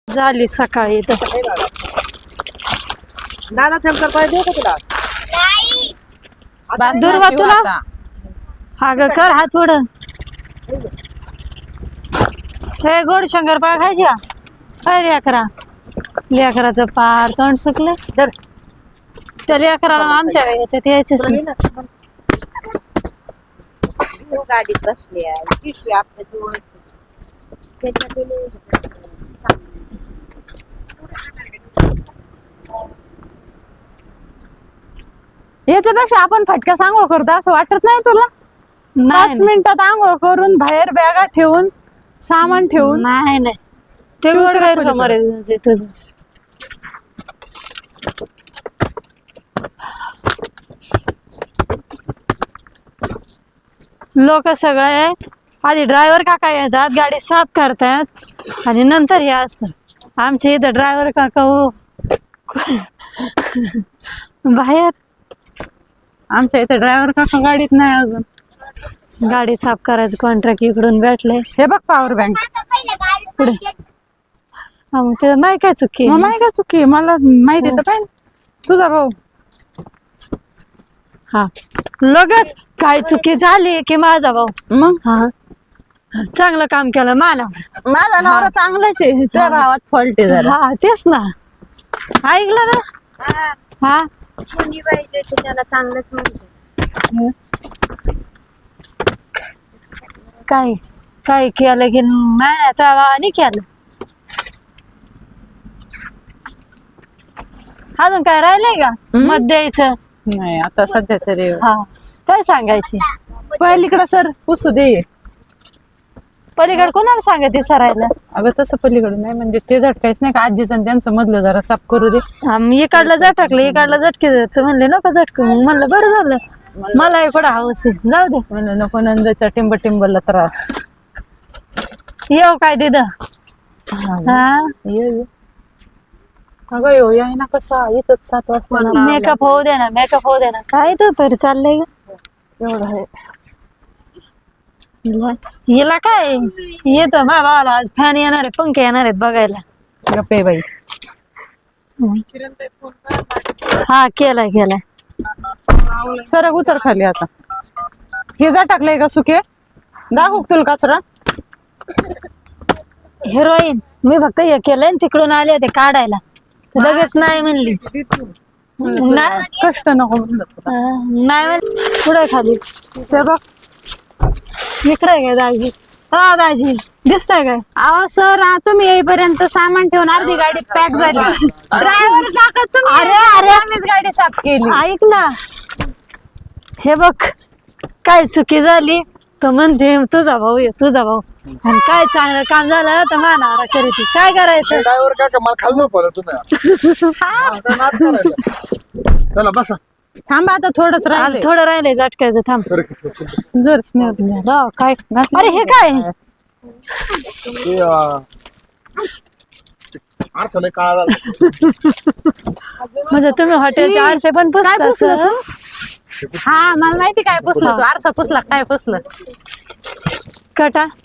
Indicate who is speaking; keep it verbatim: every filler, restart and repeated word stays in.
Speaker 1: झाली सकाळी इथं.
Speaker 2: दादा शंकर पाय देऊ का तुला?
Speaker 1: दुर्वा तुला हा ग कर हा थोडं. हे गोड शंकरपाळ खायची का? काय लेकरा लेकराचं पार तोंड सुकले. त्या लेकराला आमच्या याच्यात यायचेच नाही.
Speaker 3: गाडीत बसली आहे आपल्या जवळ
Speaker 4: याच्यापेक्षा आपण फटका आंघोळ करतो असं वाटत नाही तुला? पाच मिनिटात आंघोळ करून बाहेर बॅगा ठेवून सामान ठेवून.
Speaker 1: नाही नाही ते गैरसमोर आहे तुझं. लोक सगळे आधी ड्रायव्हर काका येतात, गाडी साफ करतात आणि नंतर हे असतं. आमच्या इथं ड्रायव्हर काका हो बाहेर.
Speaker 4: आमच्या इथे ड्रायव्हर काका गाडीत नाही अजून.
Speaker 1: गाडी साफ करायचं कॉन्ट्रॅक्ट इकडून भेटले.
Speaker 4: हे बघ पॉवर बँक
Speaker 1: पुढे मग ते नाही काय चुकी.
Speaker 4: मग माहिती का चुकी मला माहिती तर काय तुझा भाऊ.
Speaker 1: हा लगेच काय चुकी झाली की माझा भाऊ.
Speaker 4: मग
Speaker 1: हा चांगलं काम केलं माना.
Speaker 4: माझा नवरा चांगलाच आहे, तुझ्या भावात फॉल्ट आहे जरा.
Speaker 1: हा तेच ना ऐकलं ना. हा
Speaker 3: कोणी पाहिजे त्याला चांगलंच म्हणते.
Speaker 1: काय काय केलं की नाही आणि केलं. अजून काय राहिलंय का मत द्यायचं?
Speaker 4: नाही आता सध्या तरी.
Speaker 1: हा काय सांगायची
Speaker 4: पलीकडं सर पुसू दे.
Speaker 1: पलीकडे कोणाला सांगायचे सरायला?
Speaker 4: अगं तसं पलीकडं नाही म्हणजे ते झटकायच नाही का आजीचं आणि त्यांचं मधलं जरा साफ करू दे.
Speaker 1: इकडलं झटकलं इकडलं झटके जायचं म्हणले नको झटक. मग म्हणलं बरं झालं मला इकडं हवस आहे जाऊ दे
Speaker 4: म्हणलं नको नंदाच्या टिंब टिंबला त्रास.
Speaker 1: येऊ काय दिद? हा
Speaker 4: ये ये. अगं येऊ या ना कसा येतच सात वाजता.
Speaker 1: मेकअप होऊ दे ना मेकअप होऊ दे ना. काय तर तरी चाललंय ग
Speaker 4: एवढं आहे.
Speaker 1: हिला काय येत माझ्या भावाला आज फॅन येणार आहे पंखे येणार आहेत बघायला.
Speaker 4: गप्पे बाई.
Speaker 1: हा केलाय केलाय.
Speaker 4: सरक उतर खाली आता. हे जा टाकलंय का सुके दाखव तुला कचरा.
Speaker 1: हिरोईन मी फक्त हे केलंय तिकडून आले ते काढायला तर लगेच नाही म्हणली. नाही
Speaker 4: कष्ट नको म्हणलं तुला.
Speaker 1: नाही म्हणली. पुढे खाली ते बघ इकडे काय दाजी. हा दाजी दिसतंय काय?
Speaker 4: अहो सर तुम्ही येईपर्यंत सामान ठेवून अर्धी गाडी पॅक झाली. ड्रायव्हर काका तुम्ही.
Speaker 1: अरे अरे
Speaker 4: आम्हीच गाडी साफ केली.
Speaker 1: ऐक ना हे बघ काय चुकी झाली तर म्हणते तुझा भाऊ ये तुझा भाऊ आणि काय चांगलं काम झालं तर मानावरा करीती. काय करायचं?
Speaker 5: ड्रायव्हर काका मला खाल्लं पडलं तुम्ही. चला बसा.
Speaker 4: थांबा आता थोडंच राहिलं.
Speaker 1: थोडं राहिलंय झटकायचं थांब.
Speaker 4: जर स्नेह
Speaker 1: राव, काय अरे हे काय
Speaker 5: आरसा लय काळा झाला.
Speaker 1: म्हणजे तुम्ही हॉटेलचे आरसे पण
Speaker 4: काय
Speaker 1: पुसता
Speaker 4: पुसलं
Speaker 1: असं?
Speaker 4: तू? हा मला माहिती काय पुसलं तू आरसा पुसला काय पुसलं
Speaker 1: कटा